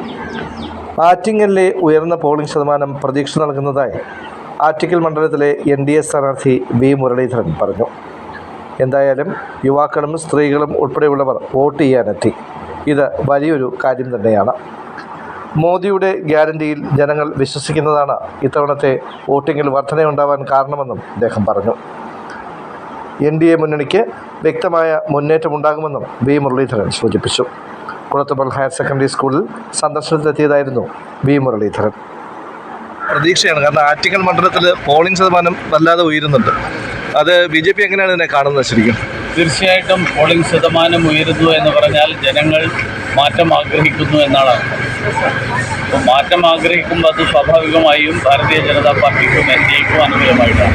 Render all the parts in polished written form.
ആറ്റിങ്ങലിലെ ഉയർന്ന പോളിംഗ് ശതമാനം പ്രതീക്ഷ നൽകുന്നതായി ആറ്റിങ്ങൽ മണ്ഡലത്തിലെ NDA സ്ഥാനാർത്ഥി V. മുരളീധരൻ പറഞ്ഞു. എന്തായാലും യുവാക്കളും സ്ത്രീകളും ഉൾപ്പെടെയുള്ളവർ വോട്ട് ചെയ്യാനെത്തി. ഇത് വലിയൊരു കാര്യം തന്നെയാണ്. മോദിയുടെ ഗ്യാരണ്ടിയിൽ ജനങ്ങൾ വിശ്വസിക്കുന്നതാണ് ഇത്തവണത്തെ വോട്ടിങ്ങിൽ വർധനയുണ്ടാവാൻ കാരണമെന്നും അദ്ദേഹം പറഞ്ഞു. NDA മുന്നണിക്ക് വ്യക്തമായ മുന്നേറ്റമുണ്ടാകുമെന്നും V. മുരളീധരൻ സൂചിപ്പിച്ചു. കുളത്തുപൽ ഹയർ സെക്കൻഡറി സ്കൂളിൽ സന്ദർശനത്തിലെത്തിയതായിരുന്നു V. മുരളീധരൻ. പ്രതീക്ഷയാണ്, കാരണം ആറ്റിങ്ങൽ മണ്ഡലത്തിൽ പോളിംഗ് ശതമാനം വല്ലാതെ ഉയരുന്നുണ്ട്. അത് BJP എങ്ങനെയാണ് ഇതിനെ കാണുന്നത്? ശരിക്കും തീർച്ചയായിട്ടും പോളിംഗ് ശതമാനം ഉയരുന്നു എന്ന് പറഞ്ഞാൽ ജനങ്ങൾ മാറ്റം ആഗ്രഹിക്കുന്നു എന്നാണ്. അപ്പോൾ മാറ്റം ആഗ്രഹിക്കുമ്പോൾ അത് സ്വാഭാവികമായും ഭാരതീയ ജനതാ പാർട്ടിക്കും NDAക്കും അനുകൂലമായിട്ടാണ്.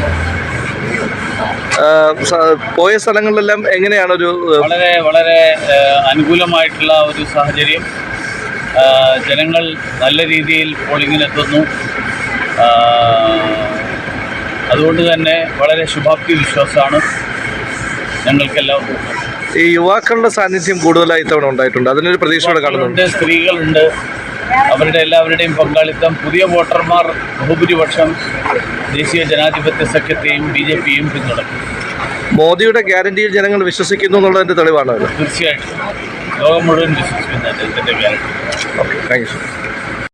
പോയ സ്ഥലങ്ങളിലെല്ലാം എങ്ങനെയാണൊരു വളരെ വളരെ അനുകൂലമായിട്ടുള്ള ഒരു സാഹചര്യം. ജനങ്ങൾ നല്ല രീതിയിൽ പോളിങ്ങിനെത്തുന്നു. അതുകൊണ്ട് തന്നെ വളരെ ശുഭാപ്തി വിശ്വാസമാണ് ഞങ്ങൾക്കെല്ലാം. ഈ യുവാക്കളുടെ സാന്നിധ്യം കൂടുതലായി ഇത്തവണ ഉണ്ടായിട്ടുണ്ട്. അതിനൊരു പ്രതീക്ഷയോടെ കാണുന്നുണ്ട്. സ്ത്രീകളുണ്ട്, അവരുടെ എല്ലാവരുടെയും പങ്കാളിത്തം. പുതിയ വോട്ടർമാർ ബഹുഭൂരിപക്ഷം ദേശീയ ജനാധിപത്യ സഖ്യത്തെയും BJPയും പിന്തുണയ്ക്കും. മോദിയുടെ ഗ്യാരണ്ടിയിൽ ജനങ്ങൾ വിശ്വസിക്കുന്നു എന്നുള്ളതിൻ്റെ തെളിവാണ്. തീർച്ചയായിട്ടും ലോകം മുഴുവൻ വിശ്വസിക്കുന്നുണ്ട് ഇതിൻ്റെ ഗ്യാരണ്ടി. Okay, thank you.